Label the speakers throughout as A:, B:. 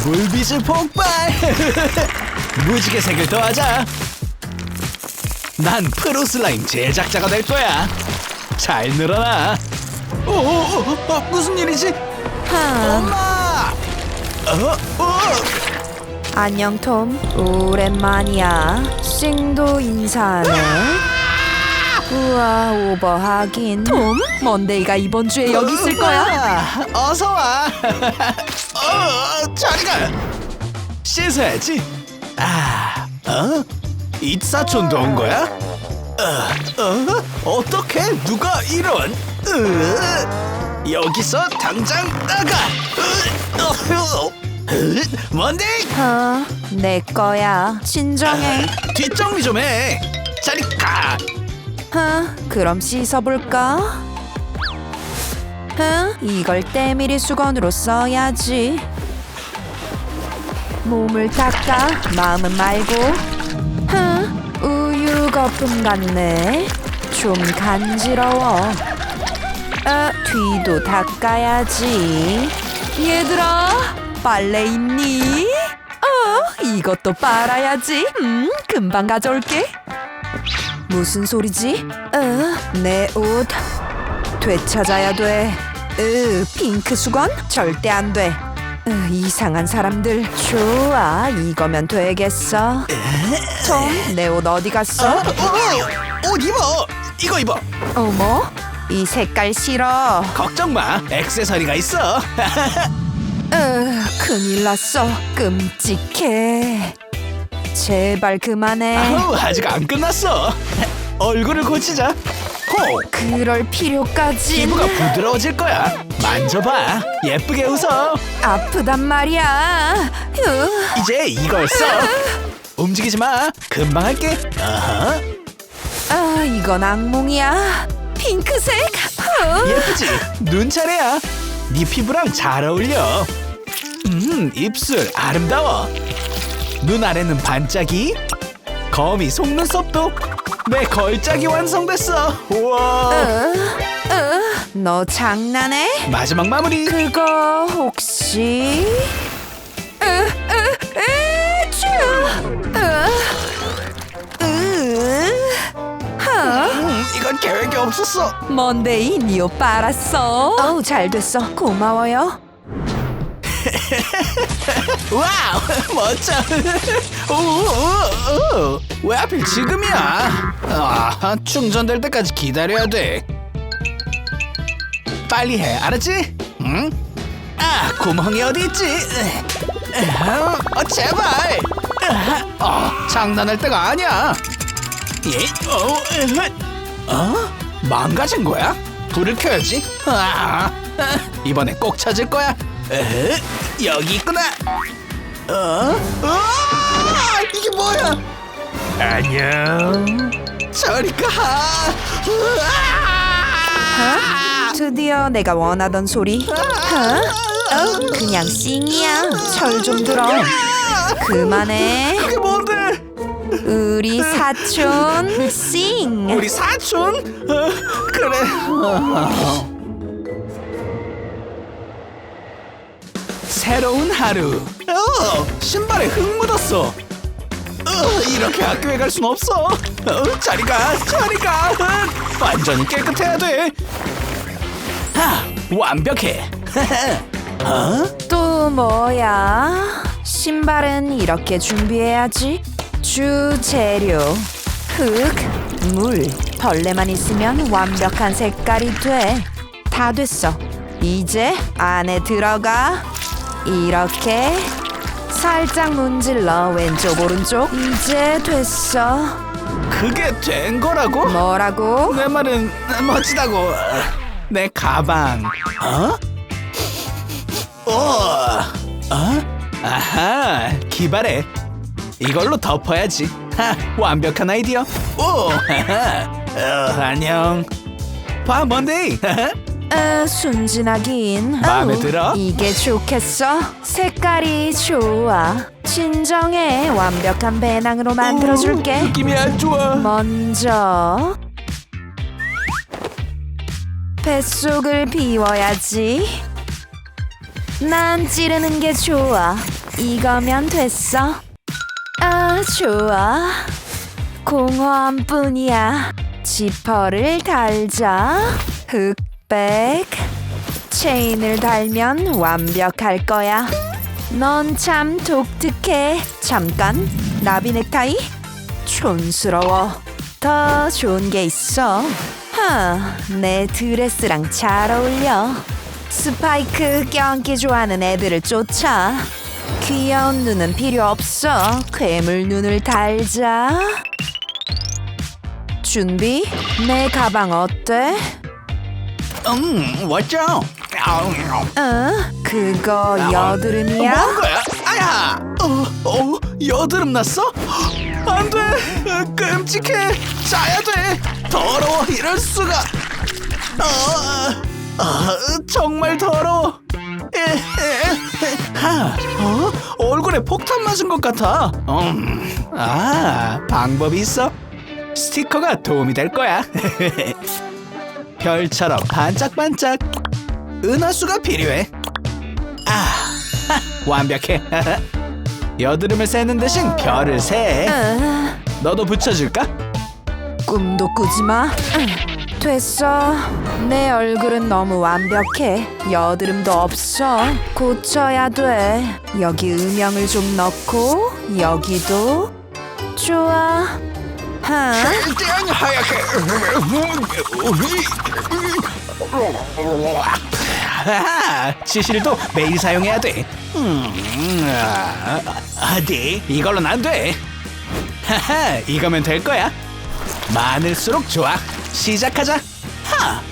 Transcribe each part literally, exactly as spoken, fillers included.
A: 물빛을 폭발. 무지개 색을 더하자. 난 프로 슬라임 제작자가 될 거야. 잘 늘어나. 오, 오, 오, 무슨 일이지?
B: 하,
A: 엄마! 어, 어.
B: 안녕 톰. 오랜만이야. 싱도 인사하네. 우와, 오버하긴. 톰? 먼데이가 이번 주에 여기 있을 거야.
A: 아, 어서 와. 어, 자리가. 씻어야지. 아, 어? 이사촌도 온 거야? 어, 어? 어떻게 누가 이런? 으, 여기서 당장 나가. 으, 어, 어, 으, 뭔데?
B: 어, 내 거야. 진정해.
A: 뒷정리 좀 해. 자리 가.
B: 어, 그럼 씻어볼까? 어, 이걸 때밀이 수건으로 써야지. 몸을 닦아, 마음은 말고. 어, 우유 거품 같네. 좀 간지러워. 어, 뒤도 닦아야지. 얘들아, 빨래 있니? 어, 이것도 빨아야지. 음, 금방 가져올게. 무슨 소리지? 어, 내 옷 되찾아야 돼. 으, 핑크 수건? 절대 안 돼. 으, 이상한 사람들. 좋아, 이거면 되겠어. 톰, 내 옷 어디 갔어?
A: 어, 어, 옷 입어. 이거 입어.
B: 어머, 이 색깔 싫어.
A: 걱정 마. 액세서리가 있어.
B: 으, 큰일 났어. 끔찍해. 제발 그만해.
A: 아우, 아직 안 끝났어. 얼굴을 고치자. 호.
B: 그럴 필요까지.
A: 피부가 부드러워질 거야. 만져봐. 예쁘게 웃어.
B: 아프단 말이야. 으.
A: 이제 이걸 써. 움직이지 마. 금방 할게. 어허.
B: 아, 이건 악몽이야. 핑크색. 어.
A: 예쁘지? 눈 차례야. 네 피부랑 잘 어울려. 음, 입술 아름다워. 눈 아래는 반짝이. 거미 속눈썹도. 내 걸작이 완성됐어. 우와.
B: 어, 어, 너 장난해?
A: 마지막 마무리.
B: 그거 혹시? 으, 으, 으, 쭈. 으, 으, 하.
A: 음, 이건 계획이 없었어.
B: 먼데이, 니 옷 빨았어. 어우, 잘 됐어. 고마워요.
A: 와우, 멋져. 오, 오, 오. 왜 하필 지금이야? 아, 충전될 때까지 기다려야 돼. 빨리 해, 알았지? 응? 아, 구멍이 어디 있지? 어, 제발. 어, 장난할 때가 아니야. 예, 어, 어? 망가진 거야? 불을 켜야지. 아, 이번엔 꼭 찾을 거야. 에? 여기 있구나. 어? 아, 이게 뭐야? 안녕. 저리 가.
B: 어? 드디어 내가 원하던 소리. 어? 어? 그냥 싱이야. 철 좀 들어. 그만해.
A: 그게 뭔데?
B: 우리 사촌 싱.
A: 우리 사촌? 어, 그래. 어. 새로운 하루. 어, 신발에 흙 묻었어. 어, 이렇게 학교에 갈 순 없어. 어, 자리 가, 자리 가. 어, 완전히 깨끗해야 돼. 하, 완벽해. 어?
B: 또 뭐야? 신발은 이렇게 준비해야지. 주 재료 흙, 물, 벌레만 있으면 완벽한 색깔이 돼. 다 됐어. 이제 안에 들어가. 이렇게 살짝 문질러. 왼쪽 오른쪽. 이제 됐어.
A: 그게 된 거라고?
B: 뭐라고?
A: 내 말은 멋지다고. 내 가방. 어? 오, 어? 아하, 기발해. 이걸로 덮어야지. 하, 완벽한 아이디어. 오, 하하. 어, 안녕. 봐, 먼데이.
B: 아, 순진하긴.
A: 마음에
B: 아우,
A: 들어?
B: 이게 좋겠어. 색깔이 좋아. 진정해. 완벽한 배낭으로 만들어줄게.
A: 오, 느낌이 안 좋아.
B: 먼저 뱃속을 비워야지. 난 찌르는 게 좋아. 이거면 됐어. 아, 좋아. 공허함뿐이야. 지퍼를 달자. 흑백. 체인을 달면 완벽할 거야. 넌 참 독특해. 잠깐, 나비 넥타이? 촌스러워. 더 좋은 게 있어. 하, 내 드레스랑 잘 어울려. 스파이크 껴안기 좋아하는 애들을 쫓아. 귀여운 눈은 필요 없어. 괴물 눈을 달자. 준비? 내 가방 어때?
A: 음, 왔죠?
B: 어? 그거 여드름이야?
A: 뭐 한 거야? 아야! 어, 어, 여드름 났어? 안 돼! 어, 끔찍해! 짜야 돼! 더러워! 이럴 수가! 어, 어, 정말 더러워! 에, 에, 하, 어? 얼굴에 폭탄 맞은 것 같아! 음, 아, 방법이 있어? 스티커가 도움이 될 거야! 별처럼 반짝반짝! 은하수가 필요해! 아, 하, 완벽해! 여드름을 세는 대신 별을 세.
B: 어,
A: 너도 붙여줄까?
B: 꿈도 꾸지 마. 응, 됐어. 내 얼굴은 너무 완벽해. 여드름도 없어. 고쳐야 돼. 여기 음영을 좀 넣고 여기도. 좋아. 하.
A: 최대한 하얗게. 아, 지실도 매일 사용해야 돼. 음, 아, 아, 네, 이걸로는 안 돼. 하하, 이거면 될 거야. 많을수록 좋아. 시작하자. 하.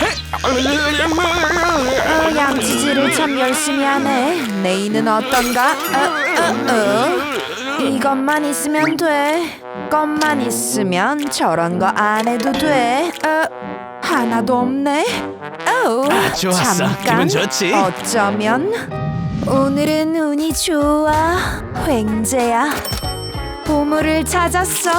B: 어, 양치질을 참 열심히 하네. 네이는 어떤가? 어, 어, 어. 이것만 있으면 돼. 것만 있으면 저런 거 안 해도 돼. 어, 하나도 없네. 어,
A: 아, 좋았어.
B: 잠깐.
A: 기분 좋지?
B: 어쩌면 오늘은 운이 좋아. 횡재야. 보물을 찾았어.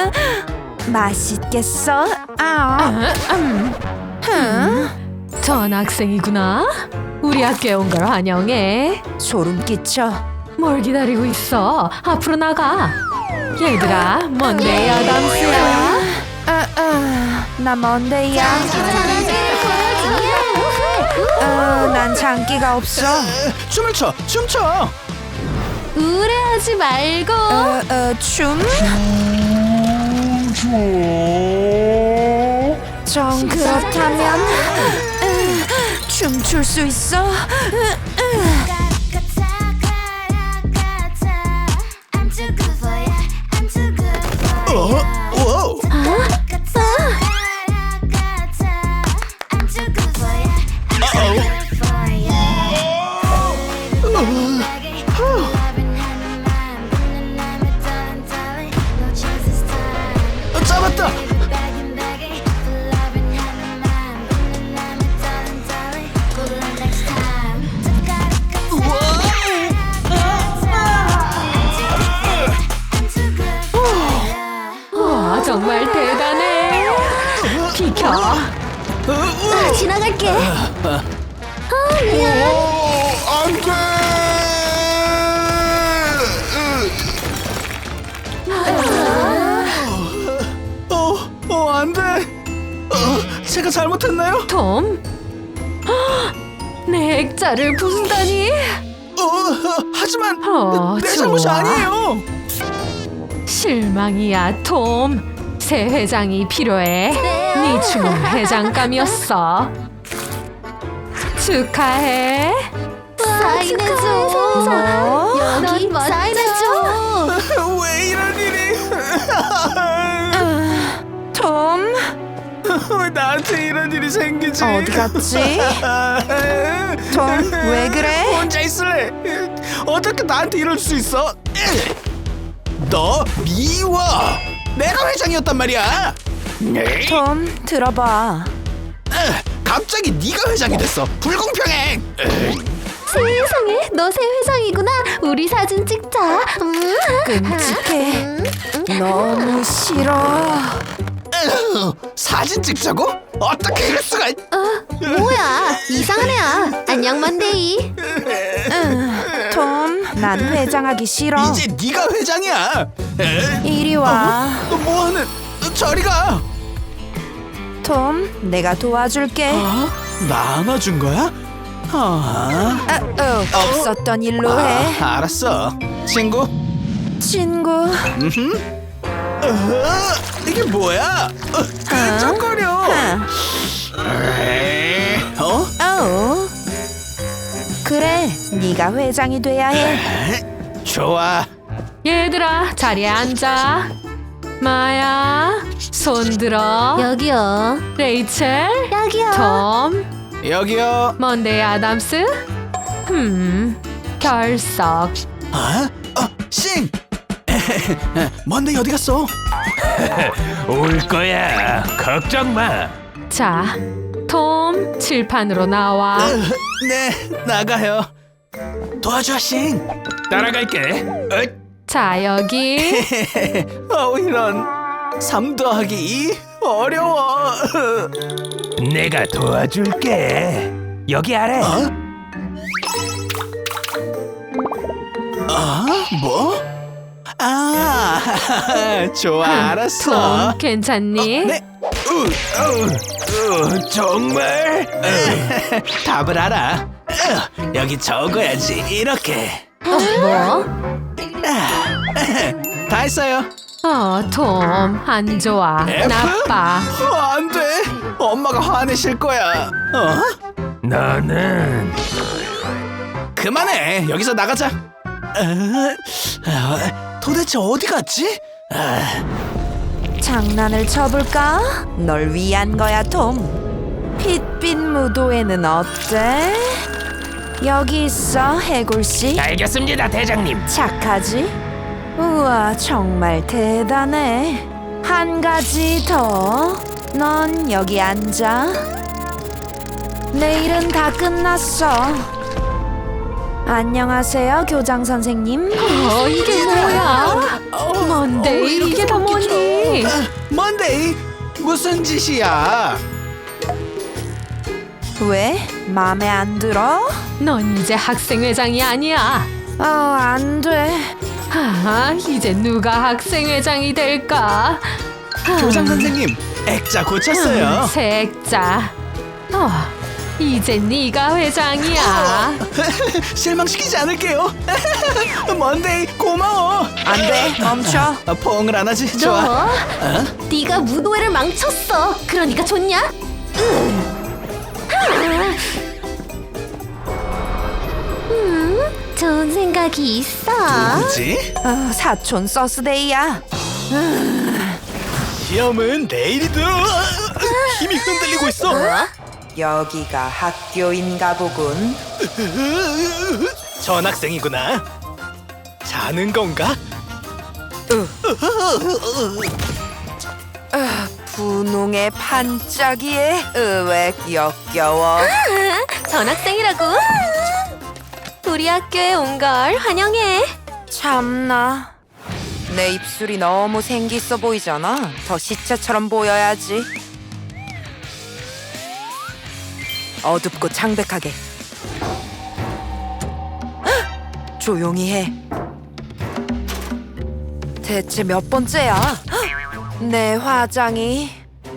B: 맛있겠어? 아, 음. 흠.
C: 전학생이구나. 우리 학교에 온 걸 환영해.
B: 소름 끼쳐.
C: 뭘 기다리고 있어? 앞으로 나가. 얘들아, 먼데이 아담스야.
B: 아, 아, 나 먼데이야. 어, 난 장기가 없어.
A: 춤을 춰, 춤춰.
C: 우울해하지 말고.
B: 어, 어, 춤? 정 그렇다면 으, 춤출 수 있어? 으, 으.
A: 어? 오. 어, 잡았다.
C: 와, 정말 대단해. 비켜.
A: 어, 어.
C: 지나갈게.
A: 안돼. 어, 어, 안돼. 어, 제가 잘못했나요?
C: 톰. 헉, 내 액자를 부순다니.
A: 어, 어, 하지만
C: 어,
A: 내 잘못이
C: 좋아.
A: 아니에요.
C: 실망이야, 톰. 새 회장이 필요해. 네 춤은 회장감이었어. 축하해.
B: 사인해줘.
C: 어?
B: 여기 사인해줘.
A: 왜 이런 일이?
B: 톰,
A: 왜 나한테 이런 일이 생기지?
B: 어디 갔지? 톰, 왜 그래?
A: 혼자 있을래? 어떻게 나한테 이럴 수 있어? 너 미워. 내가 회장이었단 말이야. 네?
B: 톰, 들어봐.
A: 갑자기 네가 회장이 됐어. 불공평해.
D: 세상에, 너 새 회장이구나. 우리 사진 찍자. 음.
B: 끔찍해. 너무 싫어.
A: 사진 찍자고? 어떻게 그럴 수가?
D: 뭐야? 이상한 애야. 안녕 먼데이.
B: 톰, 난 회장하기 싫어.
A: 이제 네가 회장이야. 에?
B: 이리 와.
A: 어, 뭐하는? 저리 가.
B: 톰, 내가 도와줄게.
A: 어? 나 안아준 거야? 아,
B: 아, 어, 없었던 일로 해.
A: 아, 알았어. 친구.
B: 친구.
A: 음. 어, 이게 뭐야? 어, 끈적거려.
B: 하.
A: 에이, 어?
B: 어. 그래, 네가 회장이 돼야 해.
A: 좋아.
C: 얘들아, 자리에 앉아. 마야, 손 들어.
D: 여기요.
C: 레이첼,
D: 여기요.
C: 톰,
A: 여기요.
C: 먼데이 아담스. 흠, 결석.
A: 어? 어, 싱. 뭔데 어디 갔어?
E: 올 거야. 걱정 마.
C: 자, 톰, 칠판으로 나와.
A: 네, 나가요. 도와줘, 싱.
E: 따라갈게.
C: 자, 여기.
A: 어, 이런. 삼 더하기 이? 어려워.
E: 내가 도와줄게. 여기 아래.
A: 어? 어? 뭐? 아, 좋아, 알았어.
C: 톰, 괜찮니?
A: 네. 우, 우,
E: 어, 정말?
A: 우. 답을 알아. 우, 여기 적어야지. 이렇게.
C: 뭐?
A: 다 했어요.
C: 어, 톰, 안 좋아.
A: F?
C: 나빠.
A: 어, 안 돼. 엄마가 화내실 거야. 어?
E: 너는
A: 그만해. 여기서 나가자. 어, 어, 도대체 어디 갔지? 아,
B: 장난을 쳐볼까? 널 위한 거야, 톰. 핏빛 무도회는 어때? 여기 있어, 해골씨.
E: 알겠습니다, 대장님.
B: 착하지? 우와, 정말 대단해. 한 가지 더. 넌 여기 앉아. 내일은 다 끝났어. 안녕하세요, 교장 선생님.
C: 어, 이게 뭐야? 뭔데 이게 다 뭐니?
A: 뭔데? 무슨 짓이야?
B: 왜? 맘에 안 들어?
C: 넌 이제 학생회장이 아니야.
B: 어, 안 돼.
C: 아, 이제 누가 학생회장이 될까?
A: 교장 선생님, 액자 고쳤어요.
C: 색자. 어, 이제 네가 회장이야.
A: 실망시키지 않을게요. 뭔데? 고마워.
B: 안 돼, 멈춰.
A: 아, 포옹을 안 하지? 좋아.
D: 너? 네가 무도회를 망쳤어. 그러니까 좋냐? 음. 음, 좋은 생각이 있어.
A: 뭐지?
B: 어, 사촌 서스데이야.
A: 시험은 내일이다. 힘이 흔들리고 있어.
B: 여기가 학교인가 보군.
A: 전학생이구나. 자는 건가?
B: 분홍의 반짝이에 으웩 역겨워.
D: 전학생이라고? 우리 학교에 온 걸 환영해.
B: 참나. 내 입술이 너무 생기있어 보이잖아. 더 시체처럼 보여야지. 어둡고 창백하게. 헉! 조용히 해. 대체 몇 번째야? 헉! 내 화장이.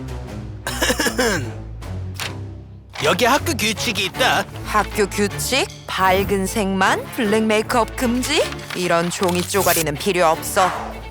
A: 여기 학교 규칙이 있다.
B: 학교 규칙? 밝은 색만? 블랙 메이크업 금지? 이런 종이 쪼가리는 필요 없어.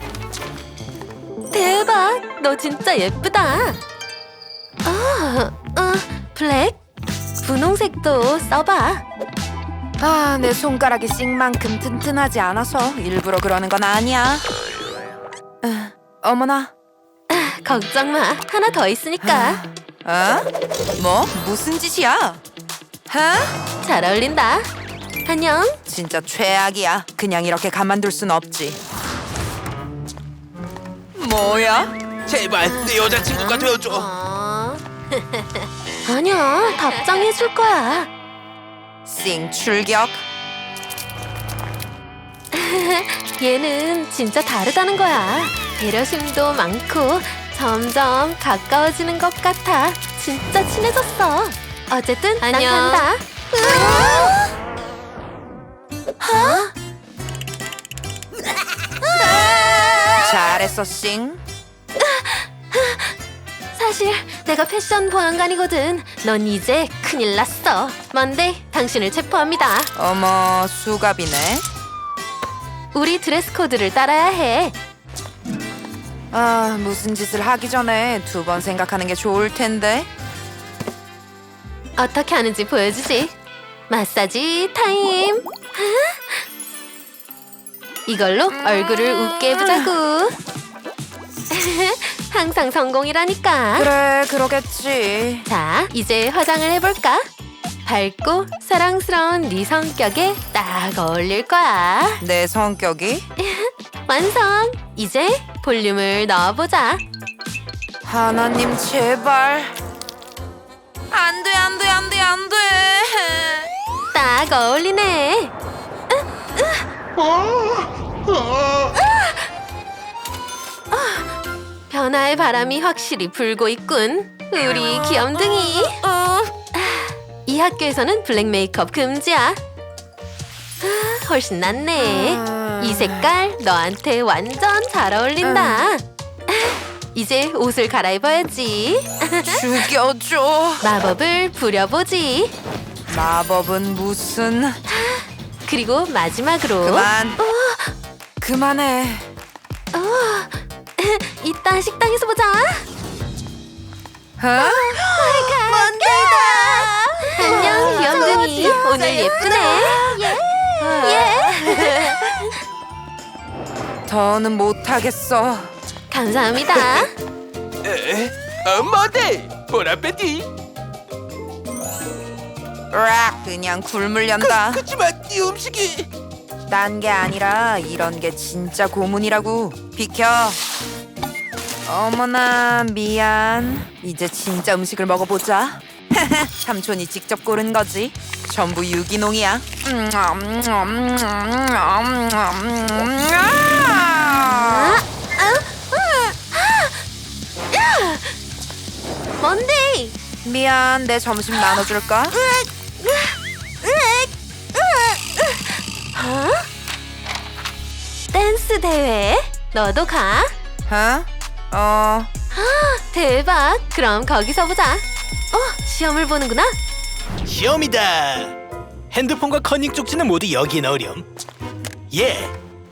D: 대박, 너 진짜 예쁘다. 어, 어, 블랙? 분홍색도 써봐.
B: 아, 내 손가락이 씩만큼 튼튼하지 않아서 일부러 그러는 건 아니야. 아, 어머나.
D: 걱정 마, 하나 더 있으니까.
B: 어? 뭐? 무슨 짓이야? 어?
D: 잘 어울린다. 안녕.
B: 진짜 최악이야. 그냥 이렇게 가만둘 순 없지. 뭐야?
A: 제발 내 여자친구가 되어줘.
D: 어... 아니야, 답장해줄 거야.
B: 싱 출격.
D: 얘는 진짜 다르다는 거야. 배려심도 많고 점점 가까워지는 것 같아. 진짜 친해졌어. 어쨌든
C: 안녕.
D: 난 간다.
B: 잘했어, 싱.
D: 사실 내가 패션 보안관이거든. 넌 이제 큰일 났어. 먼데이, 당신을 체포합니다.
B: 어머, 수갑이네.
D: 우리 드레스 코드를 따라야 해.
B: 아, 무슨 짓을 하기 전에 두 번 생각하는 게 좋을 텐데.
D: 어떻게 하는지 보여주지. 마사지 타임. 이걸로 얼굴을 웃게 해보자고. 항상 성공이라니까.
B: 그래, 그러겠지.
D: 자, 이제 화장을 해볼까? 밝고 사랑스러운 네 성격에 딱 어울릴 거야.
B: 내 성격이?
D: 완성! 이제 볼륨을 넣어보자.
B: 하나님, 제발. 안 돼, 안 돼, 안 돼, 안 돼.
D: 딱 어울리네. 변화의 바람이 확실히 불고 있군. 우리 귀염둥이. 이 학교에서는 블랙 메이크업 금지야. 아, 훨씬 낫네. 이 색깔 너한테 완전 잘 어울린다. 이제 옷을 갈아입어야지.
B: 죽여줘.
D: 마법을 부려보지.
B: 마법은 무슨...
D: 그리고 마지막으로
B: 그만. 그만해.
D: 이따 식당에서 보자.
B: 어?
D: 안녕 귀염둥이. 오늘 예쁘네. 예.
B: 더는 못하겠어.
D: 감사합니다.
E: 엄마들 보라빼띠.
B: 으악, 그냥 굶으련다.
E: 그치만 네 음식이.
B: 딴 게 아니라 이런 게 진짜 고문이라고. 비켜. 어머나, 미안. 이제 진짜 음식을 먹어보자. 삼촌이 직접 고른 거지. 전부 유기농이야.
D: 뭔데?
B: 미안, 내 점심 나눠줄까?
D: 어? 댄스 대회? 너도 가?
B: 어? 어,
D: 대박. 그럼 거기서 보자. 어, 시험을 보는구나.
A: 시험이다. 핸드폰과 커닝 쪽지는 모두 여기에 넣으렴. 예.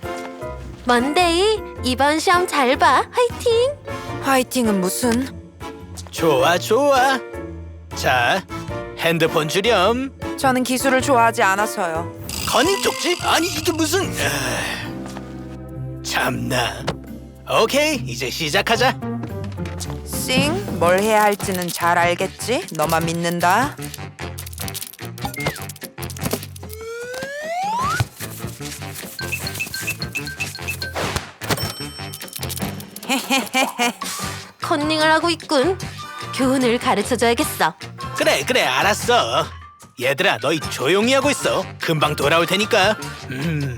D: 먼데이, 이번 시험 잘 봐. 화이팅.
B: 화이팅은 무슨?
A: 좋아 좋아. 자, 핸드폰 주렴.
B: 저는 기술을 좋아하지 않아서요.
A: 커닝 쪽지? 아니 이게 무슨... 아... 참나. 오케이, 이제 시작하자.
B: 싱, 뭘 해야 할지는 잘 알겠지? 너만 믿는다.
D: 컨닝을 하고 있군. 교훈을 가르쳐줘야겠어.
A: 그래 그래 알았어. 얘들아 너희 조용히 하고 있어. 금방 돌아올 테니까. 음.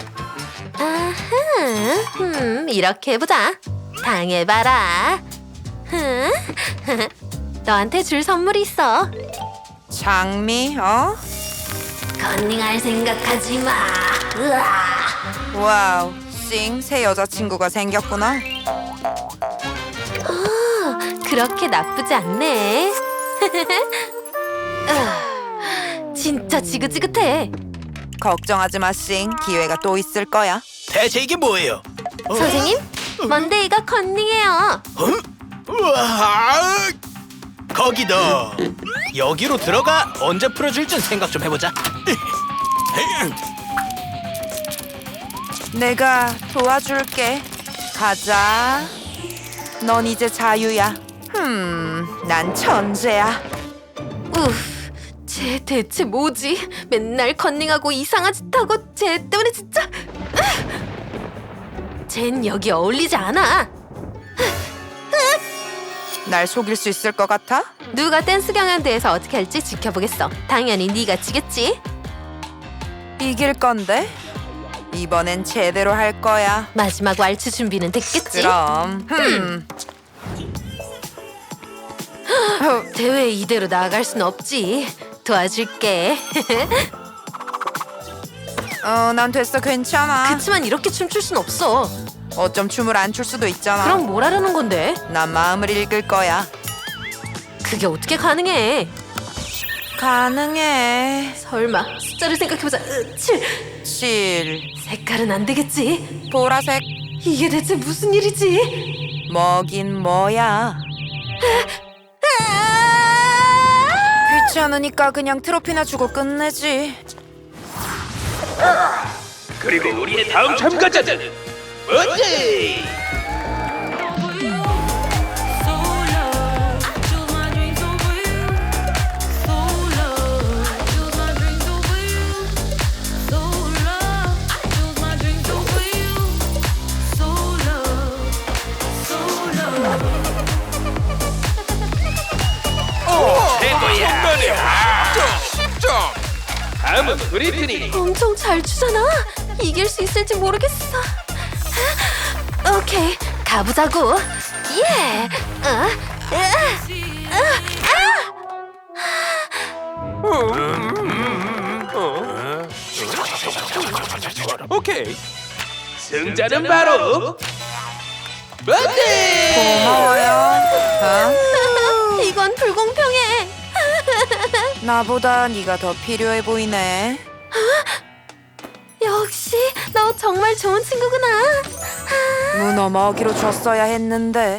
D: 아하, 음, 이렇게 해보자. 당해봐라. 흠, 너한테 줄 선물이 있어.
B: 장미, 어?
D: 컨닝할 생각하지 마. 으아.
B: 와우, 싱, 새 여자친구가 생겼구나.
D: 그렇게 나쁘지 않네. 으아, 진짜 지긋지긋해.
B: 걱정하지 마, 싱. 기회가 또 있을 거야.
A: 대체 이게 뭐예요? 어?
D: 선생님, 먼데이가 컨닝해요.
A: 어? 우와! 거기 너 여기로 들어가. 언제 풀어줄진 생각 좀 해보자.
B: 내가 도와줄게. 가자. 넌 이제 자유야. 흠, 난 천재야.
D: 우프, 쟤 대체 뭐지? 맨날 컨닝하고 이상한 짓 하고 쟤 때문에 진짜. 쟨 여기 어울리지 않아.
B: 날 속일 수 있을 것 같아?
D: 누가 댄스 경연대회에서 어떻게 할지 지켜보겠어. 당연히 네가 지겠지.
B: 이길 건데? 이번엔 제대로 할 거야.
D: 마지막 왈츠 준비는 됐겠지?
B: 그럼. 흠.
D: 대회 이대로 나아갈 순 없지. 도와줄게.
B: 어, 난 됐어. 괜찮아.
D: 그치만 이렇게 춤출 순 없어.
B: 어쩜 춤을 안 출 수도 있잖아.
D: 그럼 뭘 하려는 건데?
B: 난 마음을 읽을 거야.
D: 그게 어떻게 가능해?
B: 가능해.
D: 설마 숫자를 생각해보자. 으, 칠.
B: 칠,
D: 색깔은 안 되겠지?
B: 보라색.
D: 이게 대체 무슨 일이지?
B: 뭐긴 뭐야. 귀찮으니까 그냥 트로피나 주고 끝내지.
E: 그리고 우리의 다음 참가자는 어제 최고야. 점. 다음은 브리트니.
D: 엄청 잘 추잖아. 이길 수 있을지 모르겠어. 오케이, 가보자고. 예. 어?
E: 오케이. 승자는 바로 어제.
B: 고마워요. 어?
D: 이건 불공평해.
B: 나보다 네가 더 필요해 보이네.
D: 역시 너 정말 좋은 친구구나.
B: 문어 먹이로 줬어야 했는데.